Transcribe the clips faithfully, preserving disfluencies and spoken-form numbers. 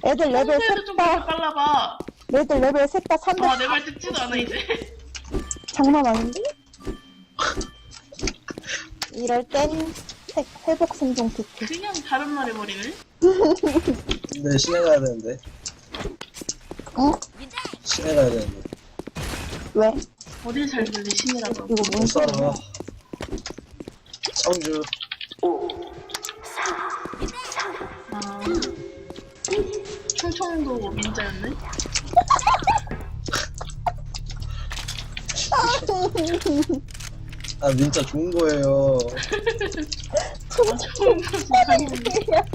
애들 레벨 평소에도 좀 셋다 그렇게 빨라봐. 애들 레벨 셋다 삼백. 아, 내 말 듣지도 않아, 이제. 장난 아닌데? 이럴 땐 회- 회복 생존 키트. 그냥 다른 말 해버리네. 근데 시내 가야 되는데. 어? 시내 가야 되는데. 왜? 어딜 잘 들리, 신이라고. 이거 뭔 못 소리야? 살아. 청주. 아. 충청도 민자였네? 아, 민자 좋은 거예요. 아, 처음 봤어, 당연히.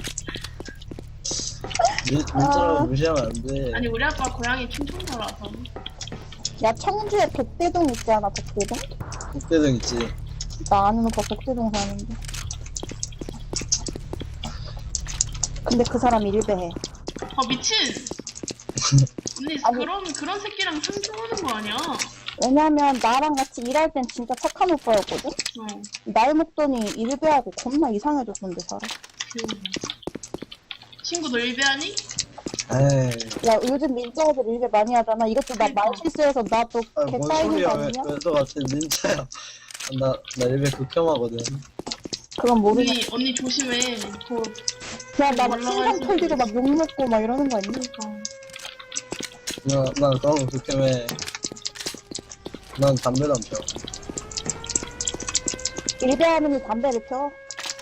민, 민자라고 무시하면 안 돼. 아니, 우리 아빠 고향이 충청도라서. 야, 청주에 백대동 있지 않아, 백대동? 국대등 있지. 나 아는 오빠 백대동 사는데. 근데 그 사람 일배해. 아, 미친! 언니, 아니. 그런, 그런 새끼랑 상종하는 거 아니야? 왜냐면 나랑 같이 일할 땐 진짜 착한 오빠였거든? 어, 나이 먹더니 일배하고 겁나 이상해졌는데 살아. 귀여워. 친구 너 일배하니? 에이. 야, 요즘 민자 애들 일배 많이 하잖아. 이것도 나 말 실수해서 나도 아, 개 뭔 까이는 소리야. 거 왜, 아니냐? 왜 또 같은 민자야. 나, 나 일베 극혐하거든. 그건 모르겠어. 언니, 언니 조심해. 곧, 야, 나 막 올라갈 신상 수도 털기로 있어. 막 욕먹고 막 이러는 거 아니야? 어. 나, 난 그런 거 극혐해. 난 담배도 안 펴. 일배하면 담배를 펴?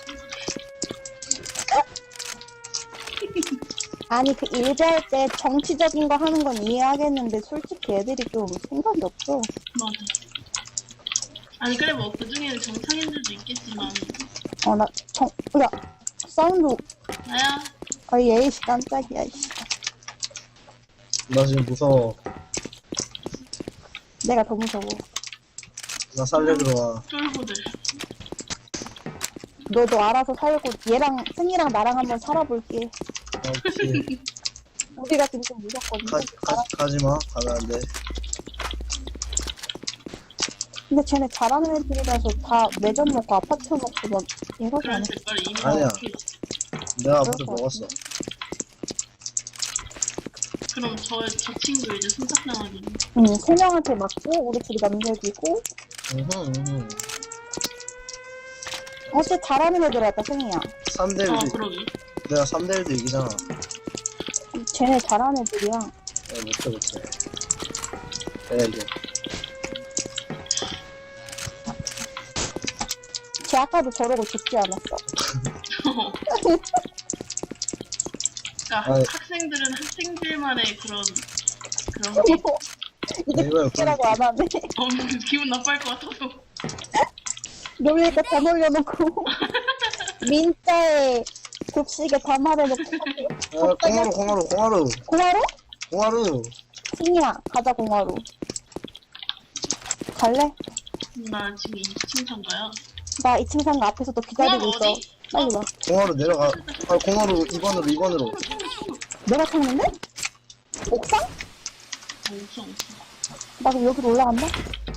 아니, 그 일배할 때 정치적인 거 하는 건 이해하겠는데 솔직히 애들이 좀 생각이 없어. 맞아. 아니, 그래, 뭐, 그 중에는 정상인들도 있겠지만. 어, 나 정, 야, 사운드, 나야? 아, 예이씨 깜짝이야, 이씨. 나 지금 무서워. 내가 더 무서워. 나 살려주러 와. 쫄보들. 너도 알아서 살고 얘랑 승이랑 나랑 한번 살아볼게. 오케이. 우리가 지금 좀 무섭거든. 가, 가, 가지마. 가면 안 돼. 근데 쟤네 잘하는 애들이라서 다 매점 먹고 아파트 먹고 막 이러지 그런 않아? 색깔이 이미 아니야. 나왔지. 내가 앞에서 그럴 것 먹었어. 그럼 저, 저 친구 이제 손짝당하기. 응, 세 명한테 맞고 우리 둘이 남겨지고 으흠, 으흠. 어째 잘하는 애들 같다 승이야. 삼 대 일. 어, 그러게. 내가 삼 대 일도 이기잖아. 쟤네 잘하는 애들이야. 야, 못해, 못해. 내가 이겨. 쟤 아까도 저러고 죽지 않았어. 그러니까 아니. 학생들은 학생들만의 그런 그런 게 이게 이거야, 죽지라고 안 하네. 어, 기분 나빠할 것 같아서. 놀리니까 다 놀려놓고 민자에 급식에 다 말해놓고 아, 공화로, 공화로, 공화로. 공화로? 공화로. 승이야 가자 공화로. 갈래? 나 지금 이 층 상가야. 나 이 층 상가 앞에서 또 기다리고 공화로 있어. 어디? 빨리 와. 공화로 내려가. 아, 공화로 이 번으로, 이 번으로. 내가 찾는데? 옥상? 없어 없어. 나 그럼 여기로 올라간다?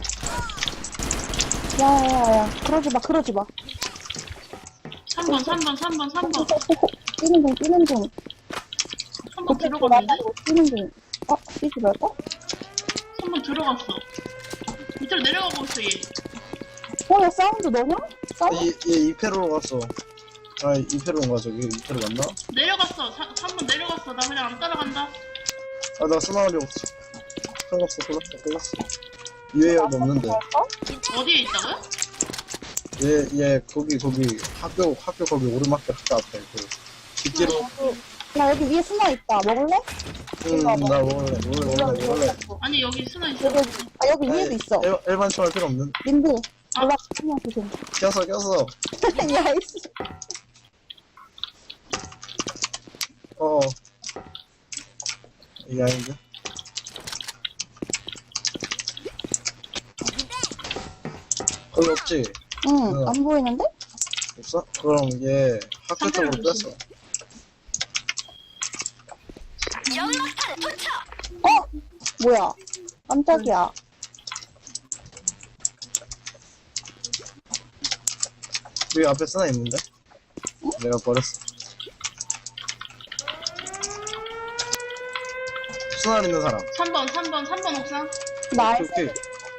야야야야 그러지 마 그러지 마. 삼 번 삼 번 삼 번 삼 번 뛰는 중 뛰는 중. 삼 번 그때 들어갔는데? 나가고 뛰는 중. 어? 뛰지 말까? 삼 번 들어갔어. 밑으로 내려가고 있어 얘. 어, 야, 사운드 너냐? 사운드? 얘, 얘 이 패로 갔어. 아, 이 패로 온 거야, 저기. 이 패로 갔나? 내려갔어. 삼 번 내려갔어. 나 그냥 안 따라간다. 아, 나 스나가려고 없어. 끌었어, 끌었어, 끌었어. 유해열도 없는데. 갈까? 어디에 있다고요? 얘, 얘, 거기, 거기, 학교, 학교 거기 오르막길 학교 앞에. 그, 뒷뒤로. 야, 여기 위에 스나 있다. 먹을래? 응, 나 먹을래, 먹을래, 먹을래, 먹을래. 아니 여기 스나 있어. 여기, 여기. 아, 여기 위에도 있어. 일, 일반 총알 필요 없는. 민들. 아. 올라, 그냥 조심. 꼈어, 꼈어. 야, 이씨. 어. 이게 아닌데? 거기 없지? 응, 안 보이는데? 없어? 그럼 얘 학교 쪽으로 뺐어. 어? 뭐야? 깜짝이야. 여기 앞에 쓰나 있는데? 내가 버렸어. 순환 있는 사람. 삼 번, 삼 번, 삼 번 옥상. 나 오케이, 오케이.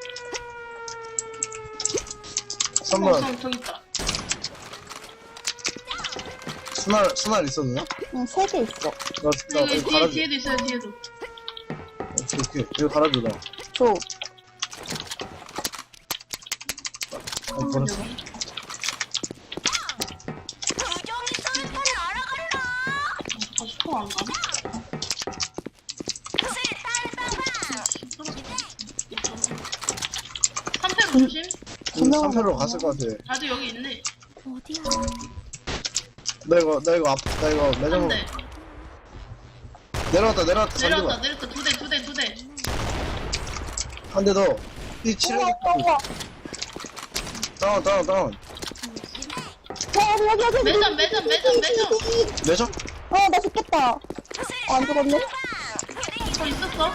삼 번 삼 번, 옥상 저기 있다. 순환, 순환 있었나? 응, 세 개 있어. 나, 나, 여기 이거 뒤에, 갈아줘. 뒤에도 있어요, 뒤에도. 오케이, 오케이. 이거 갈아줘, 나. 줘. 아, 버렸어. 아, 스포 안 가네? 삼 패로 조심. 분명한 삼 패로 거 갔을 것 같아. 다들 여기 있네. 어디야? 나 이거, 나 이거 앞, 나 이거 한 매점 대. 내려왔다, 내려왔다. 내려왔다, 잠시만. 내려왔다. 두 대, 두 대, 두 대. 한 대 더. 이 칠해. 우와, 우와, 우와. 다운, 다운, 다운. 어, 여기, 여기, 여기. 매점, 매점, 매점, 매점. 매점? 어, 나 죽겠다. 어, 안 죽었네? 저 있었어?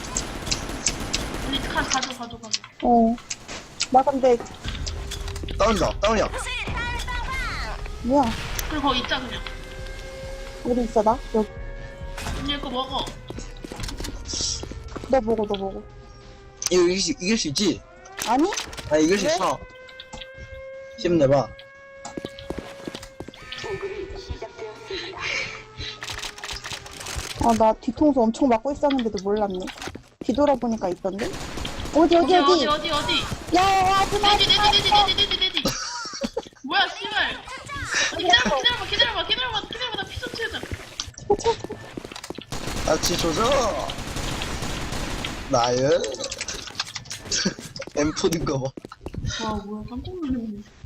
우리 가, 가져, 가져, 가져. 어. 나 근데, 다운이다, 다운이야. 뭐야. 그리고 거기 있자, 그냥. 어디 있어, 나? 여기. 언니 거 먹어. 너 먹어, 너 먹어. 이거 이길 수, 이길 수 있지? 아니? 아, 이길 수 왜? 있어. 힘내봐. 아, 나 뒤통수 엄청 맞고 있었는데도 몰랐네. 뒤돌아보니까 있던데? 어디, 어디, 어디, 어디? 어디, 어디, 어디. 야, 야, 하지 마, 내지, 하지 내지, 마. 내지, 내지, 내지, 내지. 뭐야, 씨발. 아니, 기다려봐, 기다려봐, 기다려봐, 기다려봐, 기다려봐. 나 피 좀 채우자. 같이 조져. 나연. 엠포인가 봐. 와, 뭐야, 깜짝 놀랐네.